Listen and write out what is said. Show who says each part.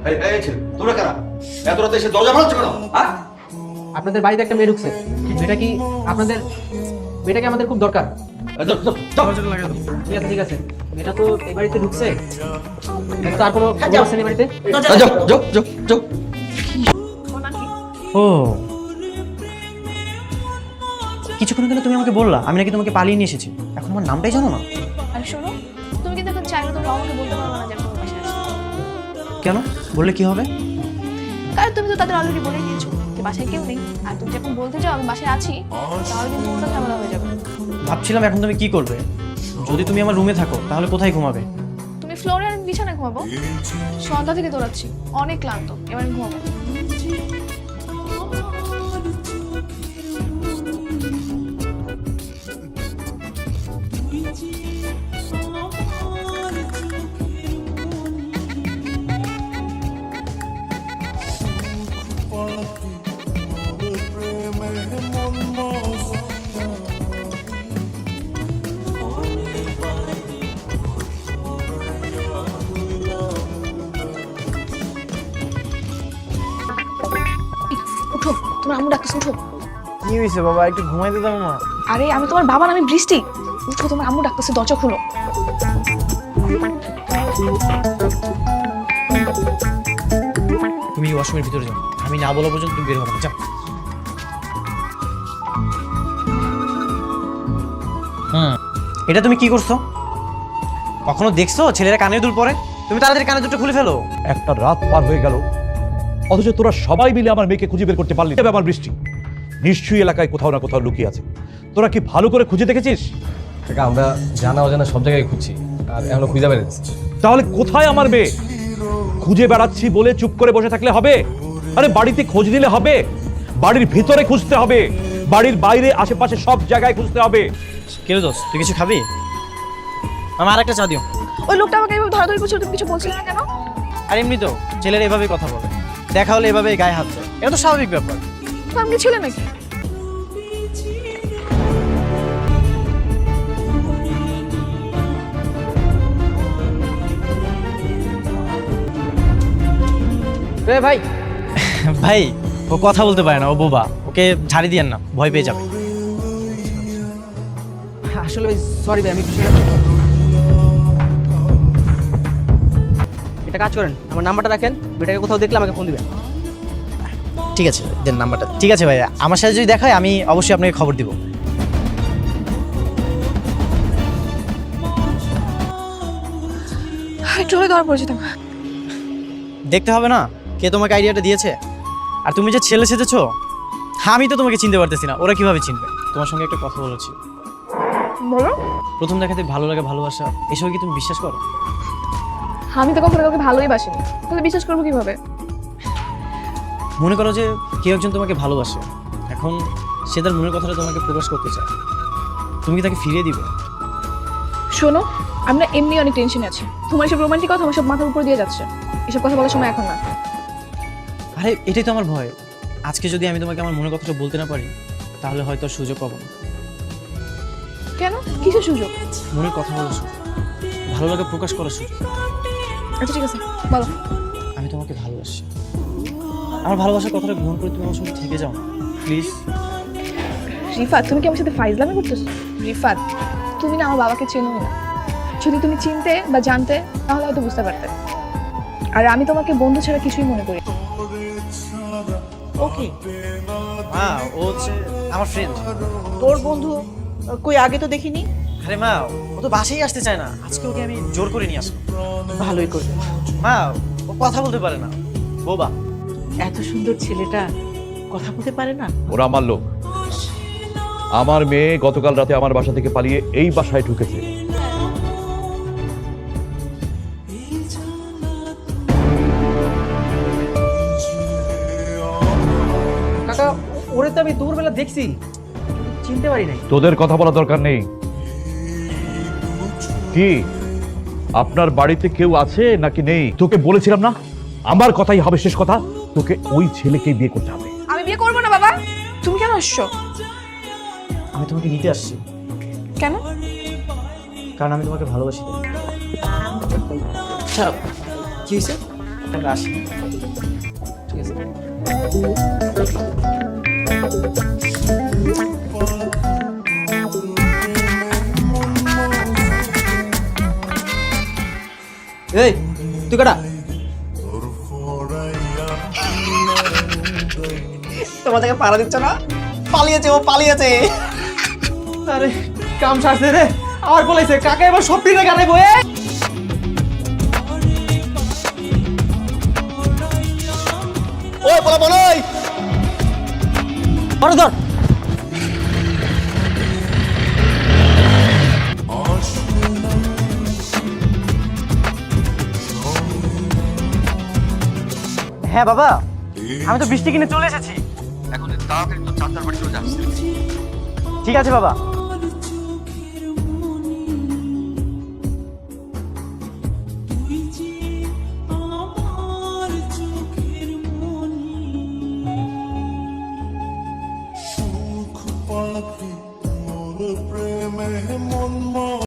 Speaker 1: এই ছেলে, তোমরা কারা? এত রাতে এসে দরজা ভাঙছো কেন? হ্যাঁ?
Speaker 2: আপনাদের বাড়িতে একটা মেয়ে ঢুকছে, মেয়েটা কি আপনাদের, মেয়েটাকে আমাদের খুব দরকার।
Speaker 1: এই যাও, যাও, যাও।
Speaker 2: ঠিক আছে ঠিক আছে, মেয়েটা তো এই বাড়িতে ঢুকছে, এটা তো আর কোনো খবর আছে না এই বাড়িতে?
Speaker 1: যাও, যাও, যাও, যাও, যাও।
Speaker 3: ও কিছুক্ষণ আগে তুমি আমাকে বললা আমি নাকি তোমাকে পালিয়ে নিয়ে এসেছি, এখন আমার নামটাই জানো না।
Speaker 4: আর শোনো, তুমি কিন্তু এখন চাইলে তোমার আমাকে বলতে পারবে না যে আমি তোমার বাসায় আছি।
Speaker 3: কেন বললে কি হবে?
Speaker 4: কারণ তুমি তো তাদের অলরেডি বলে দিয়েছো যে বাসায় কেউ নেই, আর তুমি যখন বলতে চাও আমি বাসায় আছি, তাহলে কিন্তু ওটা ঝামেলা হয়ে যাবে।
Speaker 3: ভাবছিলাম এখন তুমি কি করবে, যদি তুমি আমার রুমে থাকো তাহলে কোথায় ঘুমাবে?
Speaker 4: তুমি ফ্লোরে আর আমি বিছানায় ঘুমাবো। সন্ধ্যা থেকে দৌড়াচ্ছি, অনেক ক্লান্ত, এবার আমি ঘুমাবো। উঠো, তোমার আম্মু ডাকতেছে, উঠো।
Speaker 3: কি হয়েছে বাবা, একটু ঘুমাইতে দাও মা।
Speaker 4: আরে আমি তোমার বাবা না, আমি বৃষ্টি। উঠো, তোমার আম্মু ডাকতেছে, দরজা খুলো।
Speaker 3: তুমি ওয়াশরুমের ভিতরে যাও, আমি না বলা পর্যন্ত তুমি বের হবে না, যাও। এটা তুমি কি করছো? কখনো দেখছো ছেলেরা কানে দুল পরে? তুমি তাড়াতাড়ি কানে দুটো খুলে ফেলো।
Speaker 5: একটা রাত পার হয়ে গেল, অথচ তোরা সবাই মিলে আমার মেয়েকে খুঁজে বের করতে পারলি না। আমার বৃষ্টি নিশ্চয়ই এলাকায় কোথাও না কোথাও লুকিয়ে আছে। তোরা কি ভালো করে খুঁজে দেখেছিস?
Speaker 6: কাকা আমরা জানা অজানা সব জায়গায় খুঁজছি, আর এখনো খুঁজে বেড়াচ্ছি।
Speaker 5: তাহলে কোথায় আমার মেয়ে? খুঁজে বেড়াচ্ছি বলে চুপ করে বসে থাকলে হবে? আরে বাড়িতে খোঁজ নিলে হবে, বাড়ির ভিতরে খুঁজতে হবে, বাড়ির বাইরে আশেপাশে সব জায়গায় খুঁজতে হবে।
Speaker 3: কেন দোষ, তুই কিছু খাবি? আমার আরেকটা চা দিও।
Speaker 4: ওই লোকটা আমাকে এভাবে ধরাধরি করছিল, তুমি কিছু বলছিলে না কেন?
Speaker 3: আর এমনি তো ছেলেরা এভাবেই কথা বলে, দেখা হলে এভাবেই গায়ে হাত দেয়, এটা তো স্বাভাবিক ব্যাপার।
Speaker 4: তো আমি কি ছিলে নাকি?
Speaker 2: রে ভাই,
Speaker 3: ভাই ও কথা বলতে পারে না, ও বোবা, ওকে ঝাড়ি দিয়েন না, ভয় পেয়ে যাবে।
Speaker 2: আসলে ভাই সরি ভাই, আমি এটা কাজ করেন, আমার নাম্বারটা রাখেন, মেয়েটাকে কোথাও দেখলে আমাকে ফোন দিবেন।
Speaker 3: ঠিক আছে দেন নাম্বারটা। ঠিক আছে ভাই, আমার সাথে যদি দেখা হয় আমি অবশ্যই আপনাকে খবর দিব।
Speaker 4: একটু হলে ধরা পড়েছে তোমার।
Speaker 3: দেখতে হবে না কে তোমাকে আইডিয়াটা দিয়েছে? আর তুমি যে ছেলে সেজেছো, আমি তো তোমাকে চিনতে পারতেছি না, ওরা কিভাবে চিনবে? তোমার সঙ্গে একটা কথা বলেছি।
Speaker 4: বলো।
Speaker 3: প্রথম দেখাতে ভালো লাগে, ভালোবাসা, এসব কি তুমি বিশ্বাস করো?
Speaker 4: আমি তো কখনো কাউকে ভালোই বাসিনি, তাহলে বিশ্বাস করবো কিভাবে?
Speaker 3: মনে করো যে কেউ একজন তোমাকে ভালোবাসে, এখন সে তার মনের কথাটা তোমাকে প্রকাশ করতে চায়, তুমি কি তাকে ফিরিয়ে দিবে?
Speaker 4: শোনো, আমি না এমনি অনেক টেনশনে আছি। তোমার সব রোমান্টিক কথা আমার সব মাথার উপর দিয়ে যাচ্ছে, এসব কথা বলার সময় এখন না।
Speaker 3: আরে এটাই তো আমার ভয়, আজকে যদি আমি তোমাকে আমার মনের কথাটা বলতে না পারি তাহলে হয়তো আর সুযোগ পাবো না।
Speaker 4: কেন? কিসের সুযোগ?
Speaker 3: মনের কথা বলার সুযোগ, ভালো লাগে প্রকাশ করার সুযোগ।
Speaker 4: আচ্ছা ঠিক আছে, বলো।
Speaker 3: আমি তোমাকে ভালোবাসি, আমার ভালোবাসার কথাটা গ্রহণ করে তুমি আমার সঙ্গে থেকে যাও না প্লিজ।
Speaker 4: রিফাত, তুমি কি আমার সাথে ফাইজলামি করতেছো? রিফাত, তুমি না আমার বাবাকে চেনোই না। যদি তুমি চিনতে বা জানতে তাহলে হয়তো বুঝতে পারতে। আর আমি তোমাকে বন্ধু ছাড়া কিছুই মনে করি।
Speaker 7: ওকে,
Speaker 3: মা ও হচ্ছে আমার ফ্রেন্ড।
Speaker 7: তোর বন্ধু? কই আগে তো দেখিনি।
Speaker 3: আরে মা ও তো বাসায় আসতে চায় না, আজকে ওকে আমি জোর করে নিয়ে আসবো।
Speaker 7: ভালোই করবে।
Speaker 3: মা ও কথা বলতে পারে না, বোবা।
Speaker 7: এত সুন্দর ছেলেটা কথা বলতে পারে না?
Speaker 5: ওরা আমার লোক। আমার মেয়ে গতকাল রাতে আমার বাসা থেকে পালিয়ে এই বাসায় ঢুকেছে।
Speaker 2: কাকা, ওরে তো আমি দূরবেলা দেখছি, চিনতে পারি নাই।
Speaker 5: তোদের কথা বলা দরকার নেই। কি আপনার বাড়িতে কেউ আছে নাকি নেই? তোকে বলেছিলাম না আমার কথাই হবে শেষ কথা, তোকে ওই ছেলেকেই বিয়ে করতে হবে।
Speaker 4: আমি বিয়ে করবো না বাবা। তুমি কেন আসছো?
Speaker 3: আমি তোমাকে নিতে আসছি।
Speaker 4: কেন?
Speaker 3: কারণ আমি তোমাকে ভালোবাসি।
Speaker 2: আচ্ছা কি হয়েছে?
Speaker 3: আমরা আসি।
Speaker 2: ঠিক আছে। এই তুই কাটা
Speaker 3: তোমার থেকে পাড়া দিচ্ছ না? পালিয়েছে, ও পালিয়েছে।
Speaker 2: আরে কাম সারছে রে, আবার বলেছে কাকা এবার সব পিঠে গাড়াইবো।
Speaker 3: ওই বলা বলই ধর ধর। হ্যাঁ বাবা, আমি তো বৃষ্টি কিনে চলে এসেছি।
Speaker 1: এখন তাড়াতাড়ি তো চাচার বাড়ি চলে যাচ্ছে।
Speaker 3: ঠিক আছে বাবা।